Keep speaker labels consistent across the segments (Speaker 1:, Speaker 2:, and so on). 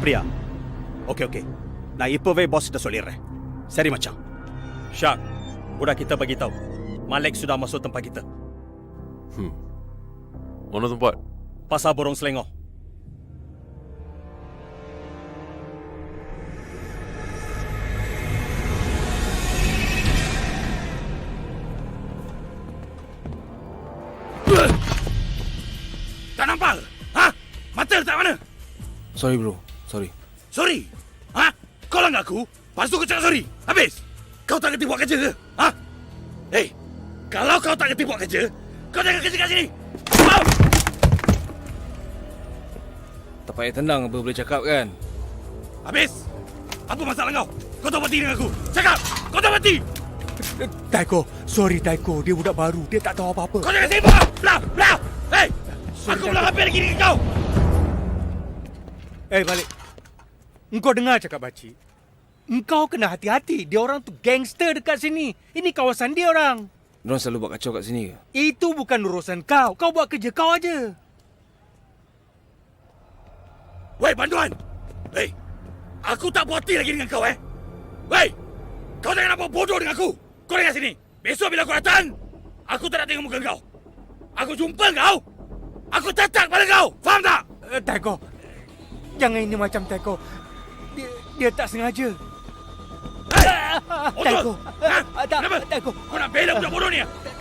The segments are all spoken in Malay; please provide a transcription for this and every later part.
Speaker 1: அப்படியா? ஓகே. நான் இப்பவே பாஸ் கிட்ட சொல்லிடுறேன். சரி மச்சான். Syak, udah kita bagi tahu. Malik sudah masuk tempat kita.
Speaker 2: Mana tempat?
Speaker 1: Pasar Borong Selangor. Tak nampak? Ha? Mata letak mana?
Speaker 3: Sorry bro, sorry.
Speaker 1: Sorry? Ha? Kau langgar aku? Lepas tu kau cakap sorry? Habis? Kau tak kerti buat kerja ke? Ha? Hei, kalau kau tak kerti buat kerja, kau jangan kerja kat sini. Mau?
Speaker 3: Tak payah tenang apa boleh cakap kan?
Speaker 1: Habis? Apa masalah kau? Kau tak berhenti dengan aku? Cakap! Kau tak berhenti!
Speaker 4: Taiko, sorry Taiko, dia budak baru, dia tak tahu apa-apa.
Speaker 1: Kau jangan sibuk! Belah! Hei! Aku belum hampir lagi dengan kau!
Speaker 4: Balik. Engkau dengar cakap Pakcik? Engkau kena hati-hati. Dia orang tu gangster dekat sini. Ini kawasan dia orang.
Speaker 3: Diorang selalu buat kacau kat sini ke?
Speaker 4: Itu bukan urusan kau. Kau buat kerja kau aja.
Speaker 1: Wei, bantuan! Hei! Aku tak puas hati lagi dengan kau, Wei! Kau jangan nampak bodoh dengan aku! Kau dengar sini! Besok bila aku datang, aku tak nak tengok muka kau! Aku jumpa kau! Aku tetak pada kau! Faham tak?
Speaker 4: Taiko, jangan ini macam Taiko. Dia tak sengaja. Taiko.
Speaker 1: Kenapa?
Speaker 4: Taiko.
Speaker 1: Kau nak bela budak bodoh ni?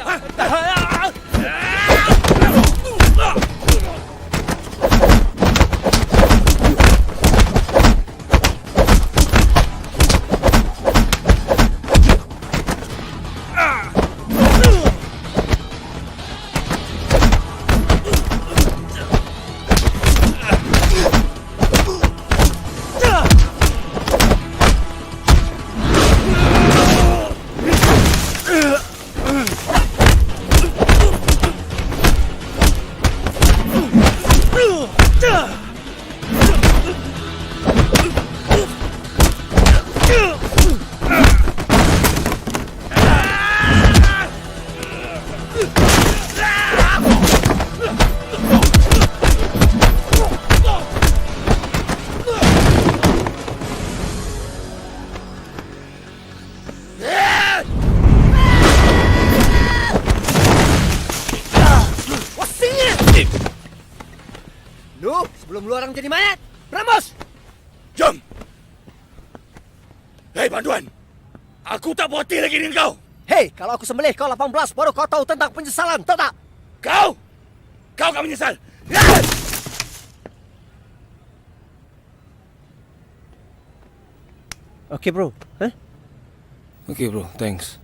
Speaker 5: Sebelum lu orang jadi mayat, Ramos!
Speaker 1: Jom! Hei, bantuan! Aku tak puas hati lagi dengan kau!
Speaker 5: Hei, kalau aku sembelih kau 18, baru kau tahu tentang penyesalan, tahu tak?
Speaker 1: Kau akan menyesal!
Speaker 5: Okey bro,
Speaker 3: Okay bro, thanks.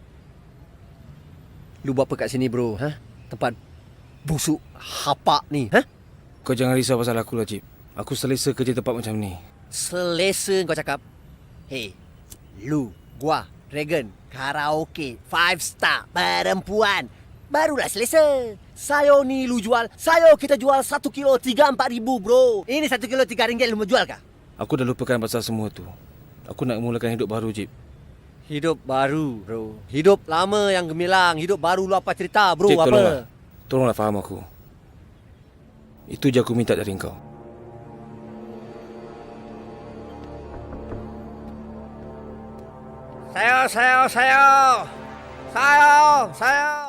Speaker 5: Lu buat apa kat sini bro, Tempat busuk, hapak ni,
Speaker 3: Kau jangan risau pasal aku lah, Cip. Aku selesa kerja tempat macam ni.
Speaker 5: Selesa kau cakap. Hei, lu, gua, Dragon, karaoke, 5 star, perempuan. Barulah selesa. Sayo ni lu jual, sayo kita jual 1 kilo 3-4 ribu bro. Ini 1 kilo 3 ringgit lu mau jual kah?
Speaker 3: Aku dah lupakan pasal semua tu. Aku nak mulakan hidup baru, Cip.
Speaker 5: Hidup baru bro. Hidup lama yang gemilang. Hidup baru lu apa cerita bro?
Speaker 3: Cip,
Speaker 5: apa?
Speaker 3: Tolonglah faham aku. Itu je aku minta dari kau.
Speaker 5: Sayo.